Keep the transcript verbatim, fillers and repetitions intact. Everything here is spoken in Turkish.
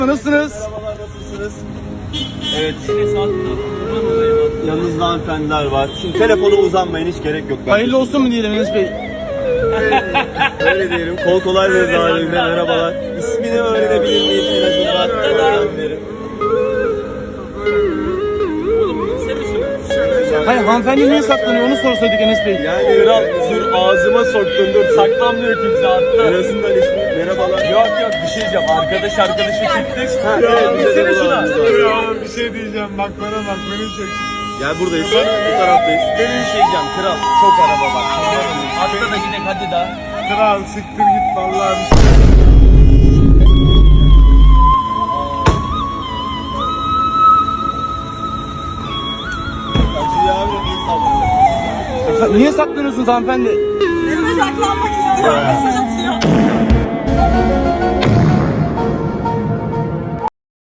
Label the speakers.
Speaker 1: Nasılsınız?
Speaker 2: Merhabalar, nasılsınız?
Speaker 3: Evet.
Speaker 2: Yanınızda hanımefendiler var. Şimdi telefona uzanmayın, hiç gerek yok. Ben
Speaker 1: Hayırlı olsun mu diyelim Enes Bey?
Speaker 2: öyle diyelim. Kol kolay veririz halinde. Merhabalar. İsmini öğrenebilir miyiz en azından? Öğrenenleri.
Speaker 1: Hayır, hanımefendi niye saklanıyor onu sorsaydık Enes Bey.
Speaker 2: Yani
Speaker 3: Kral dur ağzıma soktun dur saklanmıyor kimse
Speaker 2: en
Speaker 3: hatta.
Speaker 2: azından ismi. Merhabalar.
Speaker 3: Yok yok bir şey diyeceğim arkadaş arkadaşı çıktık.
Speaker 2: Ha,
Speaker 3: Ya
Speaker 2: evet, bize de
Speaker 3: gitsene şuna.
Speaker 2: bulalım.
Speaker 4: Ya bir şey diyeceğim bak bana bak beni çek.
Speaker 2: Gel buradayız. Bu taraftayız.
Speaker 3: Benim bir şey diyeceğim kral çok araba bak. Hatta da gidelim hadi daha.
Speaker 4: Kral siktir git vallahi.
Speaker 2: Acı abi de bir saldırı.
Speaker 1: Niye saklanıyorsunuz hanımefendi?
Speaker 5: Mesajlanmak istiyor. Mesaj atıyor.